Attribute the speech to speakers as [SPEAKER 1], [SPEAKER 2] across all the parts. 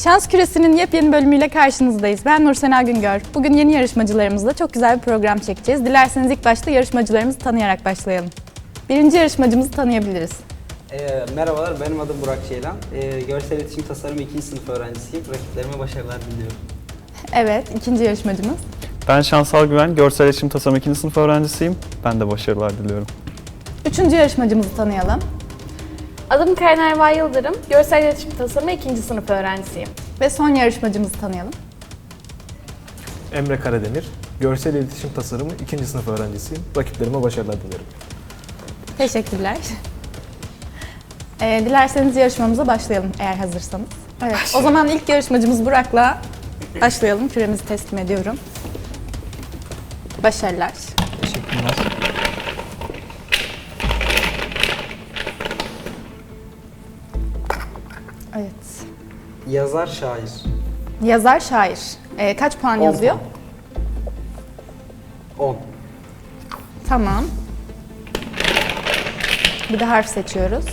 [SPEAKER 1] Şans Küresi'nin yepyeni bölümüyle karşınızdayız. Ben Nursena Güngör. Bugün yeni yarışmacılarımızla çok güzel bir program çekeceğiz. Dilerseniz ilk başta yarışmacılarımızı tanıyarak başlayalım. Birinci yarışmacımızı tanıyabiliriz.
[SPEAKER 2] Merhabalar, benim adım Burak Ceylan. Görsel İletişim Tasarımı 2. sınıf öğrencisiyim. Rakiplerime başarılar diliyorum.
[SPEAKER 1] Evet, ikinci yarışmacımız.
[SPEAKER 3] Ben Şansal Güven, Görsel İletişim Tasarımı 2. sınıf öğrencisiyim. Ben de başarılar diliyorum.
[SPEAKER 1] Üçüncü yarışmacımızı tanıyalım.
[SPEAKER 4] Adım Karen Erva Yıldırım, Görsel İletişim Tasarımı 2. sınıf öğrencisiyim.
[SPEAKER 1] Ve son yarışmacımızı tanıyalım.
[SPEAKER 5] Emre Karademir, Görsel İletişim Tasarımı 2. sınıf öğrencisiyim. Rakiplerime başarılar dilerim.
[SPEAKER 1] Teşekkürler. Dilerseniz yarışmamıza başlayalım eğer hazırsanız. Evet, o zaman ilk yarışmacımız Burak'la başlayalım. Küremizi teslim ediyorum. Başarılar.
[SPEAKER 2] Teşekkürler.
[SPEAKER 1] Evet.
[SPEAKER 2] Yazar, şair.
[SPEAKER 1] Yazar, şair. Kaç puan
[SPEAKER 2] 10
[SPEAKER 1] yazıyor?
[SPEAKER 2] puan. 10.
[SPEAKER 1] Tamam. Bir de harf seçiyoruz.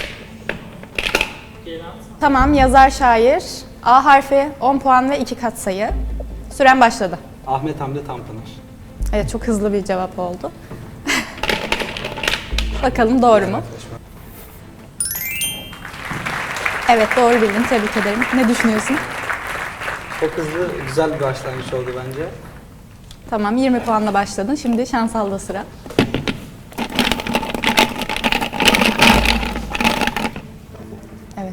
[SPEAKER 1] Tamam, yazar, şair. A harfi 10 puan ve 2 katsayı. Süren başladı.
[SPEAKER 2] Ahmet Hamdi Tanpınar.
[SPEAKER 1] Evet, çok hızlı bir cevap oldu. Bakalım doğru mu? Evet, doğru bildin. Tebrik ederim. Ne düşünüyorsun?
[SPEAKER 2] Çok hızlı, güzel bir başlangıç oldu bence.
[SPEAKER 1] Tamam, 20 puanla başladın. Şimdi Şansal'da sıra. Evet.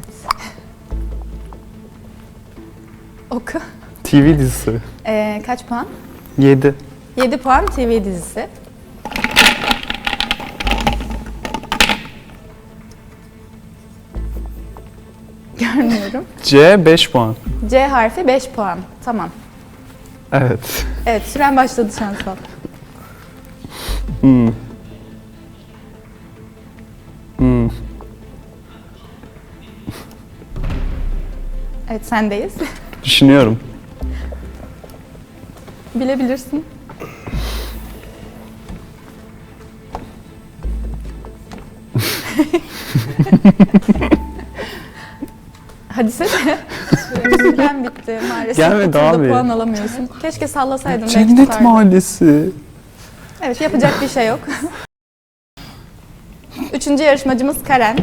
[SPEAKER 1] Oku.
[SPEAKER 3] TV dizisi.
[SPEAKER 1] Kaç puan?
[SPEAKER 3] 7.
[SPEAKER 1] 7 puan TV dizisi. Görmüyorum.
[SPEAKER 3] C 5 puan.
[SPEAKER 1] C harfi 5 puan. Tamam.
[SPEAKER 3] Evet.
[SPEAKER 1] Evet, süren başladı Şansal.
[SPEAKER 3] Hmm. Hmm.
[SPEAKER 1] Evet, sendeyiz.
[SPEAKER 3] Düşünüyorum.
[SPEAKER 1] Bilebilirsin. Hadi sen. Süren bitti maalesef.
[SPEAKER 3] Gelmedi
[SPEAKER 1] Bu turda
[SPEAKER 3] abi.
[SPEAKER 1] puan alamıyorsun. Keşke sallasaydın. belki
[SPEAKER 3] Cennet
[SPEAKER 1] tutardın.
[SPEAKER 3] Mahallesi.
[SPEAKER 1] Evet, yapacak bir şey yok. Üçüncü yarışmacımız Karen.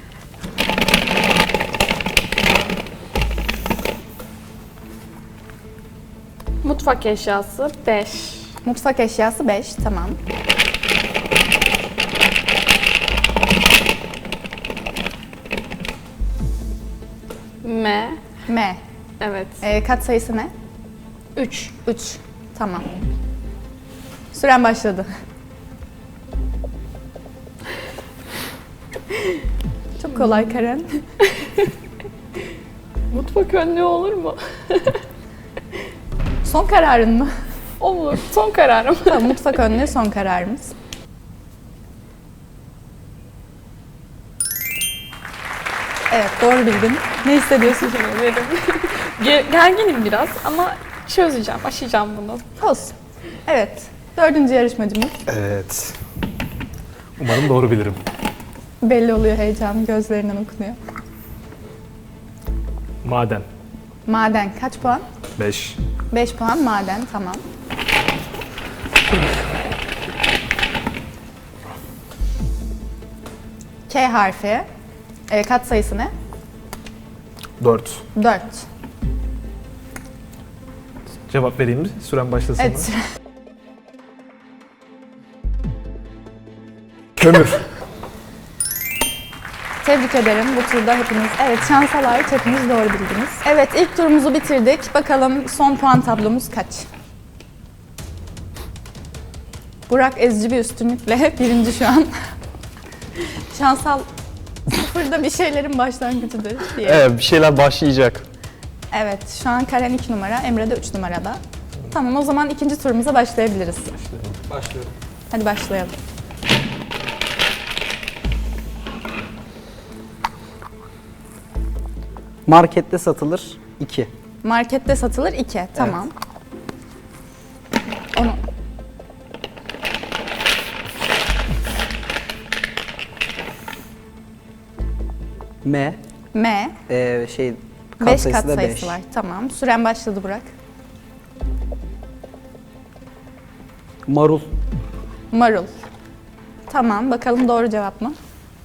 [SPEAKER 4] Mutfak eşyası 5.
[SPEAKER 1] Mutfak eşyası 5. Tamam.
[SPEAKER 4] M.
[SPEAKER 1] M.
[SPEAKER 4] Evet.
[SPEAKER 1] Kat sayısı ne?
[SPEAKER 4] 3.
[SPEAKER 1] 3. Tamam. Süren başladı. Çok kolay Karen.
[SPEAKER 4] Mutfak önlüğü olur mu?
[SPEAKER 1] Son kararın mı?
[SPEAKER 4] Olur. Son kararım.
[SPEAKER 1] Tamam, mutfak önlüğü son kararımız. Evet, doğru bildin. Ne hissediyorsun?
[SPEAKER 4] Teşekkür ederim. Gerginim biraz ama çözeceğim, aşacağım bunu.
[SPEAKER 1] Olsun. Evet, dördüncü yarışmacımız.
[SPEAKER 5] Evet. Umarım doğru bilirim.
[SPEAKER 1] Belli oluyor heyecan, gözlerinden okunuyor.
[SPEAKER 5] Maden.
[SPEAKER 1] Maden kaç puan?
[SPEAKER 5] 5.
[SPEAKER 1] 5 puan maden, tamam. K harfi. Kat sayısı ne?
[SPEAKER 5] 4.
[SPEAKER 1] 4.
[SPEAKER 5] Cevap vereyim mi? Süren başlasın
[SPEAKER 1] Evet,
[SPEAKER 5] mı?
[SPEAKER 1] süre.
[SPEAKER 5] Kömür.
[SPEAKER 1] Tebrik ederim. Bu turda hepiniz, evet şansa layık hepiniz doğru bildiniz. Evet, ilk turumuzu bitirdik. Bakalım son puan tablomuz kaç? Burak ezici bir üstünlükle birinci şu an. Şansal sıfırda bir şeylerin başlangıcıdır diye.
[SPEAKER 3] Evet, bir şeyler başlayacak.
[SPEAKER 1] Evet, şu an Karen 2 numara, Emre de 3 numarada. Tamam, o zaman ikinci turumuza başlayabiliriz.
[SPEAKER 2] Başlıyorum.
[SPEAKER 1] Hadi başlayalım.
[SPEAKER 2] Markette satılır 2.
[SPEAKER 1] Markette satılır 2, tamam. Onu...
[SPEAKER 2] M.
[SPEAKER 1] M, 5
[SPEAKER 2] sayısı
[SPEAKER 1] kat
[SPEAKER 2] da
[SPEAKER 1] sayısı
[SPEAKER 2] beş.
[SPEAKER 1] var. Tamam. Süren başladı Burak.
[SPEAKER 2] Marul.
[SPEAKER 1] Marul. Tamam. Bakalım doğru cevap mı?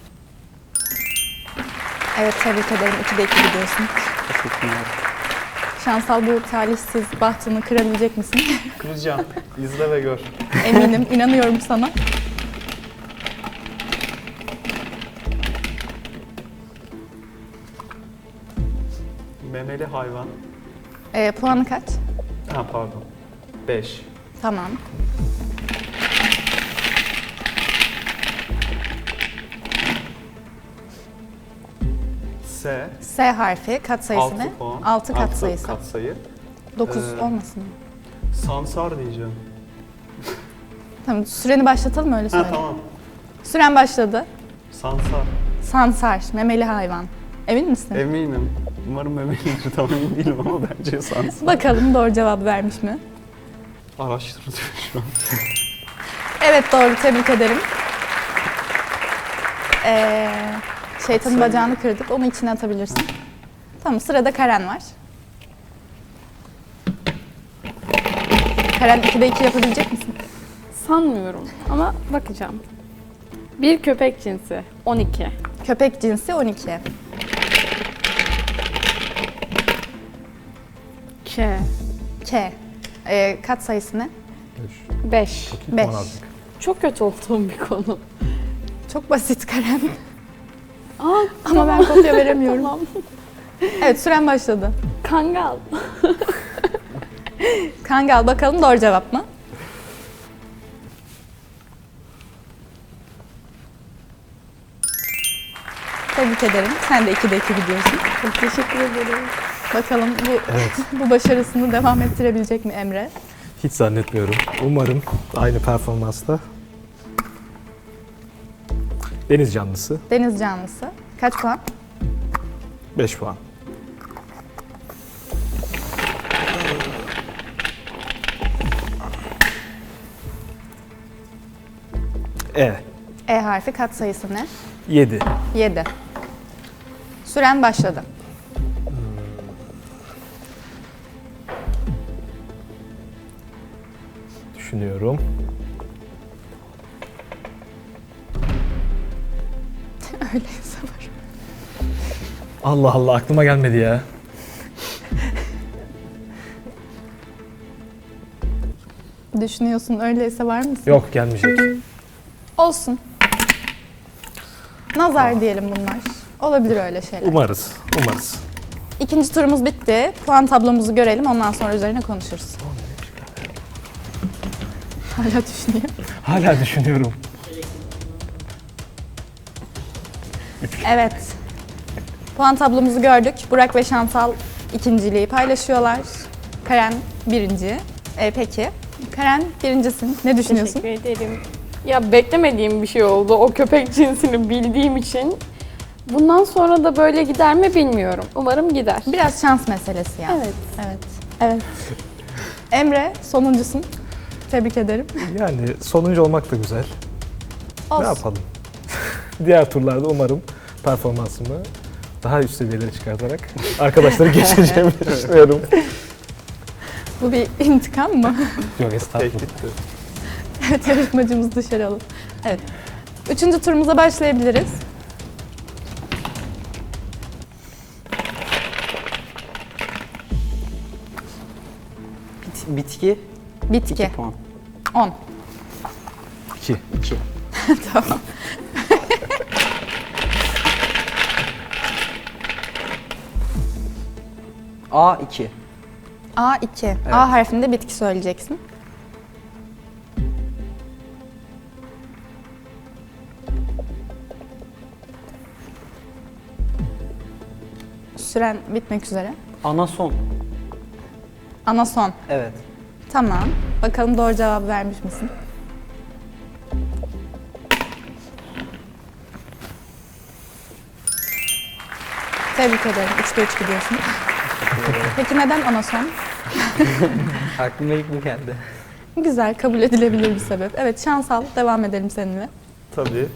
[SPEAKER 1] Evet, tebrik ederim. 2'de 2 gidiyorsun.
[SPEAKER 2] Teşekkürler.
[SPEAKER 1] Şansal, bu talihsiz bahtını kırabilecek misin?
[SPEAKER 3] Kıracağım. İzle ve gör.
[SPEAKER 1] Eminim. İnanıyorum sana.
[SPEAKER 3] Memeli hayvan.
[SPEAKER 1] Puanı kaç?
[SPEAKER 3] Ha pardon. 5.
[SPEAKER 1] Tamam.
[SPEAKER 3] S.
[SPEAKER 1] S harfi. Katsayısı
[SPEAKER 3] 6
[SPEAKER 1] ne?
[SPEAKER 3] puan.
[SPEAKER 1] 6
[SPEAKER 3] Altı
[SPEAKER 1] katsayısı.
[SPEAKER 3] katsayı.
[SPEAKER 1] 9
[SPEAKER 3] Ee,
[SPEAKER 1] olmasın mı?
[SPEAKER 3] Sansar diyeceğim.
[SPEAKER 1] Tamam. Süreni başlatalım, öyle
[SPEAKER 3] Ha
[SPEAKER 1] söyle.
[SPEAKER 3] tamam.
[SPEAKER 1] Süren başladı.
[SPEAKER 3] Sansar.
[SPEAKER 1] Sansar. Memeli hayvan. Emin misin?
[SPEAKER 3] Eminim. Umarım memelidir. Tam emin değilim ama bence sansar.
[SPEAKER 1] Bakalım doğru cevabı vermiş mi?
[SPEAKER 3] Araştırılıyor şu an.
[SPEAKER 1] Evet, doğru. Tebrik ederim. Şeytanın bacağını kırdık. Onu içine atabilirsin. Tamam, sırada Karen var. Karen, 2'de 2 yapabilecek misin?
[SPEAKER 4] Sanmıyorum ama bakacağım. Bir köpek cinsi 12.
[SPEAKER 1] Köpek cinsi 12.
[SPEAKER 4] K.
[SPEAKER 1] K. Kat sayısı ne?
[SPEAKER 4] 5.
[SPEAKER 1] 5.
[SPEAKER 4] Çok kötü olduğum bir konu.
[SPEAKER 1] Çok basit Karen.
[SPEAKER 4] Aa,
[SPEAKER 1] Ama ben kopya veremiyorum.
[SPEAKER 4] tamam.
[SPEAKER 1] Evet, süren başladı.
[SPEAKER 4] Kangal.
[SPEAKER 1] Kangal, bakalım doğru cevap mı? Tebrik ederim. Sen de 2'de 2 gidiyorsun.
[SPEAKER 4] Çok teşekkür ederim.
[SPEAKER 1] Bakalım bu başarısını devam ettirebilecek mi Emre?
[SPEAKER 5] Hiç zannetmiyorum. Umarım aynı performansta. Deniz canlısı
[SPEAKER 1] Deniz canlısı. Kaç puan?
[SPEAKER 5] 5 puan. E.
[SPEAKER 1] E harfi, kat sayısı ne?
[SPEAKER 5] 7.
[SPEAKER 1] 7. Süren başladı.
[SPEAKER 5] Düşünüyorum.
[SPEAKER 1] Öyleyse var.
[SPEAKER 5] Allah Allah, aklıma gelmedi ya.
[SPEAKER 1] Düşünüyorsun, öyleyse var mısın?
[SPEAKER 5] Yok, gelmeyecek.
[SPEAKER 1] Olsun. Nazar diyelim bunlar. Olabilir öyle şeyler.
[SPEAKER 5] Umarız. Umarız.
[SPEAKER 1] İkinci turumuz bitti. Puan tablomuzu görelim, ondan sonra üzerine konuşuruz. Hala düşünüyor.
[SPEAKER 5] Hala düşünüyorum.
[SPEAKER 1] Evet. Puan tablomuzu gördük. Burak ve Şansal ikinciliği paylaşıyorlar. Karen birinci. Peki. Karen birincisin. Ne düşünüyorsun?
[SPEAKER 4] Teşekkür ederim. Ya beklemediğim bir şey oldu. O köpek cinsini bildiğim için. Bundan sonra da böyle gider mi bilmiyorum. Umarım gider.
[SPEAKER 1] Biraz şans meselesi yani.
[SPEAKER 4] Evet.
[SPEAKER 1] Evet. Evet. Emre sonuncusun. Tebrik ederim.
[SPEAKER 5] Yani sonuncu olmak da güzel.
[SPEAKER 1] Olsun.
[SPEAKER 5] Ne yapalım? Diğer turlarda umarım performansımı daha üst seviyelere çıkartarak arkadaşları geçeceğimi düşünüyorum.
[SPEAKER 1] Bu bir intikam mı?
[SPEAKER 5] Yok, estağfurullah.
[SPEAKER 3] Tehditti.
[SPEAKER 1] Evet, yarışmacımızı dışarı alın. Evet. Üçüncü turumuza başlayabiliriz.
[SPEAKER 2] Bitki.
[SPEAKER 1] Bitki.
[SPEAKER 2] 2 puan.
[SPEAKER 1] 10.
[SPEAKER 5] 2.
[SPEAKER 2] 2.
[SPEAKER 1] Tamam.
[SPEAKER 2] A2.
[SPEAKER 1] A2. A harfinde bitki söyleyeceksin. Süren bitmek üzere.
[SPEAKER 2] Anason.
[SPEAKER 1] Anason.
[SPEAKER 2] Evet.
[SPEAKER 1] Tamam. Bakalım doğru cevabı vermiş misin? Tebrik ederim. 3'te 3 gidiyorsun. Peki neden anason?
[SPEAKER 2] Aklıma ilk bu geldi.
[SPEAKER 1] Güzel, kabul edilebilir bir sebep. Evet, Şansal, devam edelim seninle.
[SPEAKER 3] Tabii.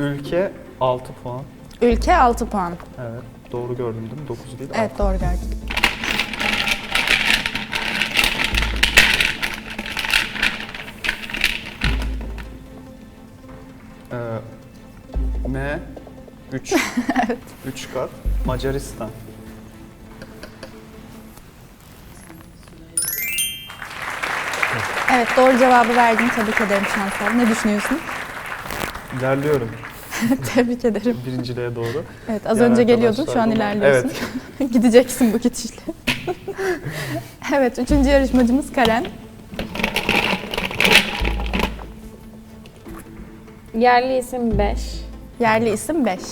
[SPEAKER 3] Ülke 6 puan.
[SPEAKER 1] Ülke 6 puan.
[SPEAKER 3] Evet. Doğru gördüm değil mi? 9 değil.
[SPEAKER 1] Evet, doğru gördün.
[SPEAKER 3] M 3. Evet. 3 kat. Macaristan.
[SPEAKER 1] Evet, doğru cevabı verdin. Tebrik ederim Şansal. Ne düşünüyorsun?
[SPEAKER 3] İlerliyorum.
[SPEAKER 1] Tebrik ederim.
[SPEAKER 3] Birinciliğe doğru.
[SPEAKER 1] Evet, az
[SPEAKER 3] Diğer
[SPEAKER 1] önce geliyordun, şu an
[SPEAKER 3] arkadaşlar
[SPEAKER 1] ilerliyorsun. Gideceksin bu gidişle. Evet, 3. yarışmacımız Karen.
[SPEAKER 4] Yerli isim 5.
[SPEAKER 1] Yerli isim 5.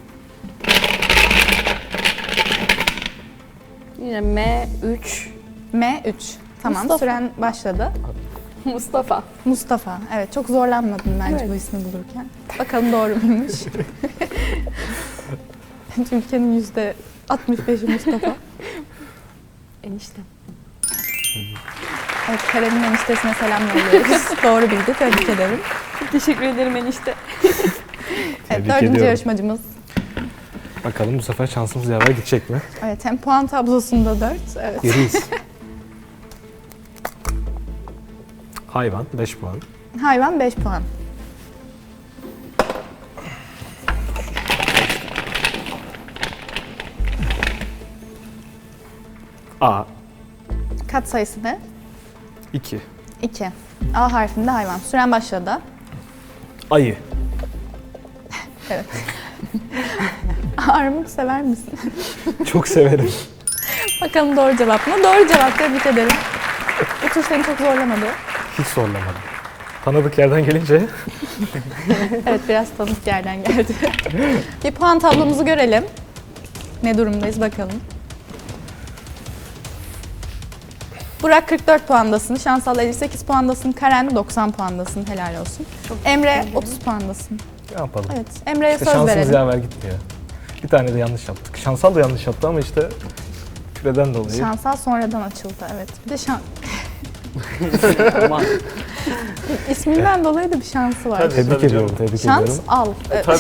[SPEAKER 4] Yine M3.
[SPEAKER 1] M3. Tamam,
[SPEAKER 4] Mustafa.
[SPEAKER 1] süren başladı.
[SPEAKER 4] Mustafa.
[SPEAKER 1] Mustafa. Evet, çok zorlanmadın bence
[SPEAKER 4] Evet.
[SPEAKER 1] bu ismi bulurken. Bakalım doğru muymuş? Ülkenin %65'i Mustafa.
[SPEAKER 4] Enişte.
[SPEAKER 1] Evet, Karen'in eniştesine selam yolluyoruz. Doğru bildi, tebrik ederim.
[SPEAKER 4] Teşekkür ederim enişte.
[SPEAKER 1] Evet,
[SPEAKER 5] Tebrik
[SPEAKER 1] 4.
[SPEAKER 5] ediyorum.
[SPEAKER 1] yarışmacımız.
[SPEAKER 5] Bakalım bu sefer şansımız yaver gidecek mi?
[SPEAKER 1] Evet, hem puan tablosunda 4. Evet.
[SPEAKER 5] Geriyiz. Hayvan 5 puan.
[SPEAKER 1] Hayvan 5 puan.
[SPEAKER 5] A
[SPEAKER 1] Kat sayısı ne?
[SPEAKER 5] 2.
[SPEAKER 1] 2. A harfinde hayvan. Süren başladı.
[SPEAKER 5] Ayı.
[SPEAKER 1] Evet. Armut sever misin?
[SPEAKER 5] Çok severim.
[SPEAKER 1] Bakalım doğru cevap mı? Doğru cevap, tebrik ederim. Bu tur seni çok zorlamadı.
[SPEAKER 5] Hiç zorlamadım. Tanıdık yerden gelince
[SPEAKER 1] Evet, biraz tanıdık yerden geldi. Bir puan tablomuzu görelim. Ne durumdayız bakalım. Burak 44 puandasın, Şansal 58 puandasın, Karen 90 puandasın, helal olsun. Emre 30 puandasın.
[SPEAKER 5] ne yapalım?
[SPEAKER 1] Evet, Emre'ye
[SPEAKER 5] İşte
[SPEAKER 1] söz
[SPEAKER 5] şansımız
[SPEAKER 1] verelim.
[SPEAKER 5] yaver gitmiyor. Bir tane de yanlış yaptık. Şansal da yanlış yaptı ama işte küreden dolayı.
[SPEAKER 1] Şansal sonradan açıldı, evet. Bir de
[SPEAKER 2] Aman.
[SPEAKER 1] isminden dolayı da bir şansı var.
[SPEAKER 3] Tabii.
[SPEAKER 5] Tebrik ediyorum, tebrik
[SPEAKER 1] Şans
[SPEAKER 5] ediyorum.
[SPEAKER 1] al.
[SPEAKER 3] Tabii.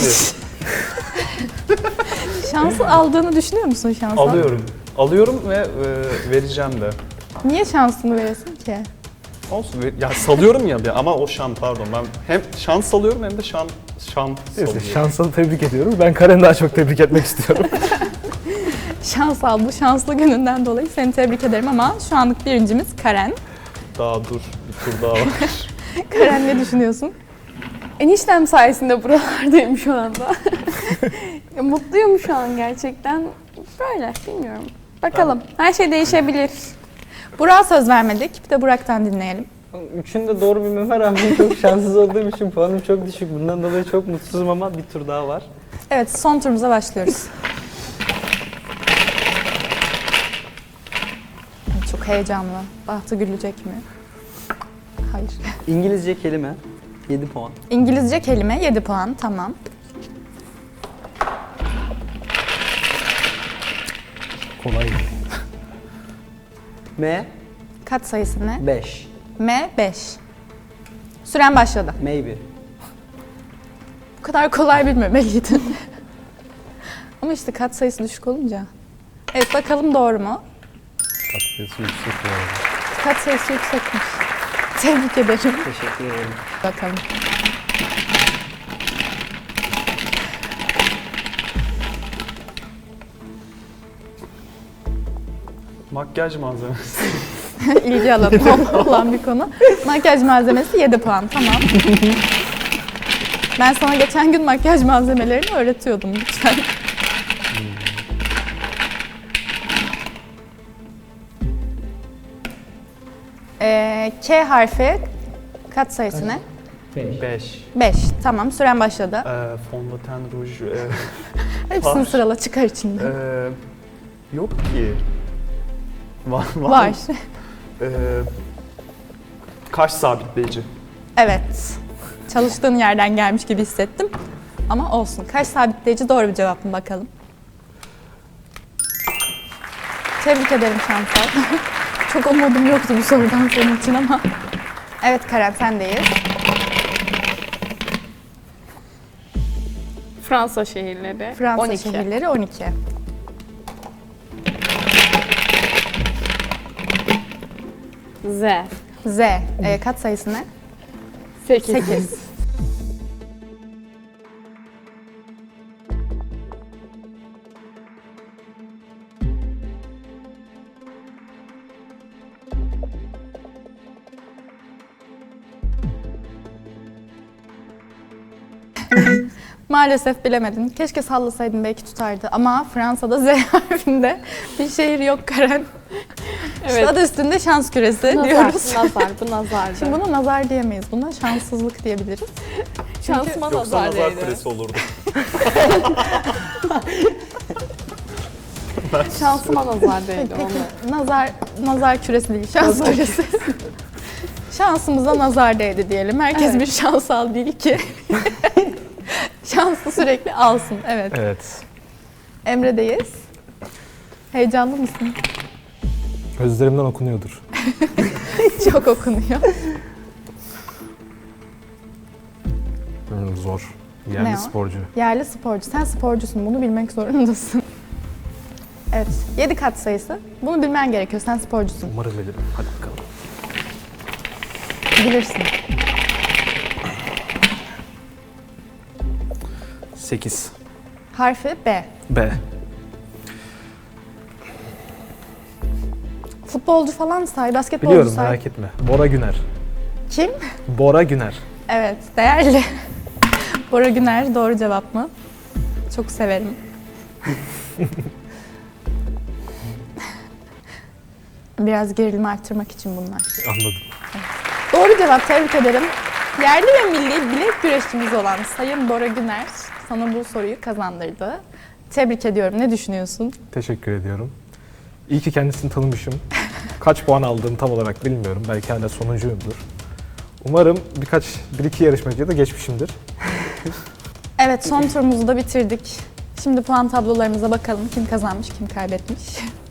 [SPEAKER 1] Şansı aldığını düşünüyor musun Şansal?
[SPEAKER 3] Alıyorum. Alıyorum ve vereceğim de.
[SPEAKER 1] Niye şansını veresin ki?
[SPEAKER 3] Olsun. Ya salıyorum ya bir ama o şan pardon. Ben hem şans salıyorum hem de şan
[SPEAKER 5] Neyse,
[SPEAKER 3] salıyorum.
[SPEAKER 5] şansını tebrik ediyorum. Ben Karen'i daha çok tebrik etmek istiyorum.
[SPEAKER 1] Şans al, bu şanslı gününden dolayı seni tebrik ederim ama şu anlık birincimiz Karen.
[SPEAKER 3] Daha dur. Bir tur daha var.
[SPEAKER 1] Karen, ne düşünüyorsun?
[SPEAKER 4] Eniştem sayesinde buralardayım şu anda. Ya, mutluyum şu an gerçekten. Böyle bilmiyorum. Bakalım. Her şey değişebilir.
[SPEAKER 1] Burak'a söz vermedik. Bir de Burak'tan dinleyelim.
[SPEAKER 2] Üçünde doğru bilmeme rağmen çok şanssız olduğum için puanım çok düşük. Bundan dolayı çok mutsuzum ama bir tur daha var.
[SPEAKER 1] Evet, son turumuza başlıyoruz. Çok heyecanlı. Bahtı gülecek mi? Hayır.
[SPEAKER 2] İngilizce kelime 7 puan.
[SPEAKER 1] İngilizce kelime 7 puan. Tamam.
[SPEAKER 5] Kolay.
[SPEAKER 2] M
[SPEAKER 1] Kat sayısı ne?
[SPEAKER 2] 5.
[SPEAKER 1] M 5. Süren başladı.
[SPEAKER 2] Maybe.
[SPEAKER 1] Bu kadar kolay bilmemeliydin. Ama işte kat sayısı düşük olunca. Evet, bakalım doğru mu?
[SPEAKER 5] Tatlısı yüksek bu arada.
[SPEAKER 1] Kat sayısı yüksekmiş. Tebrik ederim.
[SPEAKER 2] Teşekkür ederim.
[SPEAKER 1] Bakalım.
[SPEAKER 3] Makyaj malzemesi.
[SPEAKER 1] İlgi alanı olan bir konu. Makyaj malzemesi 7 puan. Tamam. Ben sana geçen gün makyaj malzemelerini öğretiyordum lütfen. K harfi kat sayısı ne?
[SPEAKER 3] 5.
[SPEAKER 1] 5. Tamam, süren başladı.
[SPEAKER 3] Fondöten, ruj.
[SPEAKER 1] Hepsini
[SPEAKER 3] var.
[SPEAKER 1] sırala, çıkar içinde.
[SPEAKER 3] Yok ki. Var.
[SPEAKER 1] Var.
[SPEAKER 3] Kaş sabitleyici.
[SPEAKER 1] Evet. Çalıştığın yerden gelmiş gibi hissettim. Ama olsun. Kaş sabitleyici doğru bir cevap mı bakalım? Tebrik ederim Şansal. Çok umudum yoktu bu sorudan senin için ama. Evet Karen, sendeyiz.
[SPEAKER 4] Fransa şehirleri.
[SPEAKER 1] Fransa
[SPEAKER 4] 12.
[SPEAKER 1] şehirleri 12.
[SPEAKER 4] Z.
[SPEAKER 1] Z. Kat sayısı ne?
[SPEAKER 4] 8.
[SPEAKER 1] 8. Maalesef bilemedin. Keşke sallasaydın, belki tutardı. Ama Fransa'da Z harfinde bir şehir yok Karen.
[SPEAKER 4] Evet.
[SPEAKER 1] İşte adı üstünde şans küresi
[SPEAKER 4] Nazar,
[SPEAKER 1] diyoruz.
[SPEAKER 4] nazar, bu nazardı.
[SPEAKER 1] Şimdi buna nazar diyemeyiz. Buna şanssızlık diyebiliriz.
[SPEAKER 4] Şansıma
[SPEAKER 3] Yoksa
[SPEAKER 4] nazar
[SPEAKER 3] nazar
[SPEAKER 4] değdi.
[SPEAKER 3] küresi olurdu.
[SPEAKER 4] Şansıma nazar değdi onu.
[SPEAKER 1] Nazar küresi değil, şans küresi. Şansımıza nazar değdi diyelim. Herkes
[SPEAKER 4] Evet.
[SPEAKER 1] bir şansal değil ki. Şanslı sürekli alsın. Evet.
[SPEAKER 5] Evet.
[SPEAKER 1] Emre'deyiz. Heyecanlı mısın?
[SPEAKER 5] Gözlerimden okunuyordur.
[SPEAKER 1] Çok okunuyor.
[SPEAKER 5] Zor.
[SPEAKER 1] Ne
[SPEAKER 5] Yerli
[SPEAKER 1] o?
[SPEAKER 5] sporcu.
[SPEAKER 1] Yerli sporcu. Sen sporcusun. Bunu bilmek zorundasın. Evet. 7 kat sayısı. Bunu bilmen gerekiyor. Sen sporcusun.
[SPEAKER 5] Umarım bilirim. Hadi bakalım.
[SPEAKER 1] Bilirsin.
[SPEAKER 5] 8.
[SPEAKER 1] Harfi B.
[SPEAKER 5] B.
[SPEAKER 1] Futbolcu falan say, basketbolcu
[SPEAKER 5] Biliyorum,
[SPEAKER 1] say.
[SPEAKER 5] merak etme. Bora Güner.
[SPEAKER 1] Kim?
[SPEAKER 5] Bora Güner.
[SPEAKER 1] Evet, değerli. Bora Güner doğru cevap mı? Çok severim. Biraz gerilimi arttırmak için bunlar.
[SPEAKER 5] Anladım.
[SPEAKER 1] Doğru cevap, tebrik ederim. Yerli ve milli bilek güreşçimiz olan Sayın Bora Güner sana bu soruyu kazandırdı. Tebrik ediyorum. Ne düşünüyorsun?
[SPEAKER 5] Teşekkür ediyorum. İyi ki kendisini tanımışım. Kaç puan aldığımı tam olarak bilmiyorum. Belki hala sonuncuyumdur. Umarım bir iki yarışmacıya da geçmişimdir.
[SPEAKER 1] Evet, son turumuzu da bitirdik. Şimdi puan tablolarımıza bakalım. Kim kazanmış, kim kaybetmiş.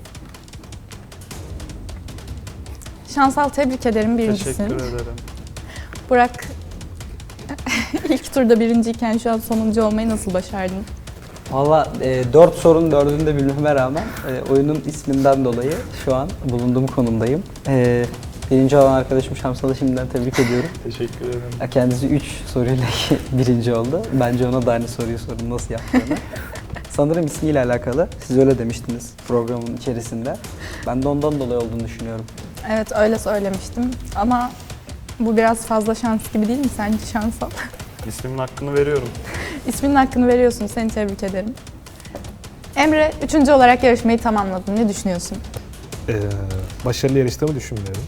[SPEAKER 1] Şansal, tebrik ederim, birincisin.
[SPEAKER 3] Teşekkür ederim.
[SPEAKER 1] Burak, ilk turda birinciyken şu an sonuncu olmayı nasıl başardın?
[SPEAKER 2] Valla 4 sorunun 4'ünü de bilmeme rağmen oyunun isminden dolayı şu an bulunduğum konumdayım. Birinci olan arkadaşım Şamsal'ı şimdiden tebrik ediyorum.
[SPEAKER 3] Teşekkür ederim.
[SPEAKER 2] Kendisi 3 soruyla birinci oldu. Bence ona da aynı soruyu sorun nasıl yaptığını. Sanırım ismiyle alakalı. Siz öyle demiştiniz programın içerisinde. Ben de ondan dolayı olduğunu düşünüyorum.
[SPEAKER 1] Evet, öyle söylemiştim ama bu biraz fazla şans gibi değil mi sence Şansal?
[SPEAKER 3] İsmimin hakkını veriyorum.
[SPEAKER 1] İsminin hakkını veriyorsun, seni tebrik ederim. Emre, 3. olarak yarışmayı tamamladın. Ne düşünüyorsun?
[SPEAKER 5] Başarılı yarıştığımı düşünmüyorum.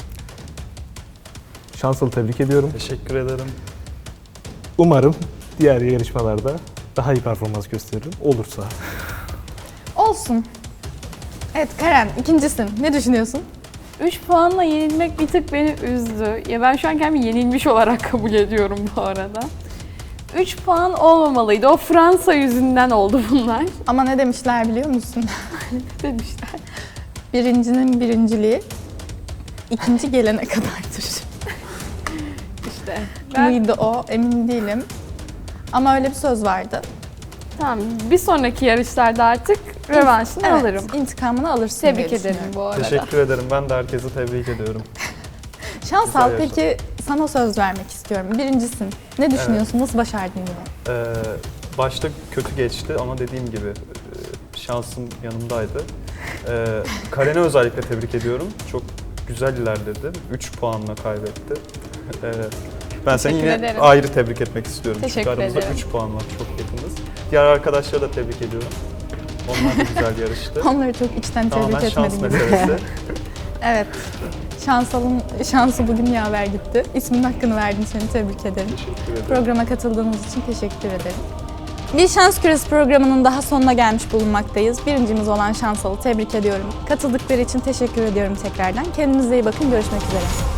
[SPEAKER 5] Şansalı tebrik ediyorum.
[SPEAKER 3] Teşekkür ederim.
[SPEAKER 5] Umarım diğer yarışmalarda daha iyi performans gösteririm. Olursa.
[SPEAKER 1] Olsun. Evet Karen, ikincisin. Ne düşünüyorsun?
[SPEAKER 4] 3 puanla yenilmek bir tık beni üzdü. Ya ben şu an kendimi yenilmiş olarak kabul ediyorum bu arada. 3 puan olmamalıydı. O Fransa yüzünden oldu bunlar.
[SPEAKER 1] Ama ne demişler biliyor musun?
[SPEAKER 4] Demişler.
[SPEAKER 1] Birincinin birinciliği ikinci gelene kadardır.
[SPEAKER 4] İşte. Ben,
[SPEAKER 1] Mıydı o? Emin değilim. Ama öyle bir söz vardı.
[SPEAKER 4] tamam, bir sonraki yarışlarda artık rövanşını
[SPEAKER 1] Evet,
[SPEAKER 4] alırım.
[SPEAKER 1] intikamını alırsın
[SPEAKER 4] Tebrik
[SPEAKER 1] diye
[SPEAKER 4] ederim
[SPEAKER 1] düşünüyorum.
[SPEAKER 4] bu arada.
[SPEAKER 3] Teşekkür ederim. Ben de herkesi tebrik ediyorum.
[SPEAKER 1] Şansal,
[SPEAKER 3] Güzel
[SPEAKER 1] peki sana söz vermek istiyorum. Birincisin. Ne düşünüyorsun? Nasıl başardın yine?
[SPEAKER 3] Başta kötü geçti ama dediğim gibi şansım yanımdaydı. Karen'i özellikle tebrik ediyorum. Çok güzel ilerledi. 3 puanla kaybetti. Ben seni
[SPEAKER 4] Teşekkür
[SPEAKER 3] yine
[SPEAKER 4] ederim.
[SPEAKER 3] ayrı tebrik etmek istiyorum.
[SPEAKER 4] Teşekkür
[SPEAKER 3] Çünkü aramızda
[SPEAKER 4] ederim.
[SPEAKER 3] 3 puan var. Çok yakınız. Diğer arkadaşları da tebrik ediyorum. Onlar da güzel yarıştı.
[SPEAKER 1] Onları çok içten
[SPEAKER 3] Tamamen
[SPEAKER 1] tebrik
[SPEAKER 3] şans
[SPEAKER 1] etmedim gibi.
[SPEAKER 3] meselesi.
[SPEAKER 1] Evet. Şansal'ın şansı bugün yaver gitti. İsminin hakkını verdin, seni tebrik ederim.
[SPEAKER 3] Teşekkür ederim.
[SPEAKER 1] Programa katıldığınız için teşekkür ederim. Bir Şans Küresi programının daha sonuna gelmiş bulunmaktayız. Birincimiz olan Şansal'ı tebrik ediyorum. Katıldıkları için teşekkür ediyorum tekrardan. Kendinize iyi bakın, görüşmek üzere.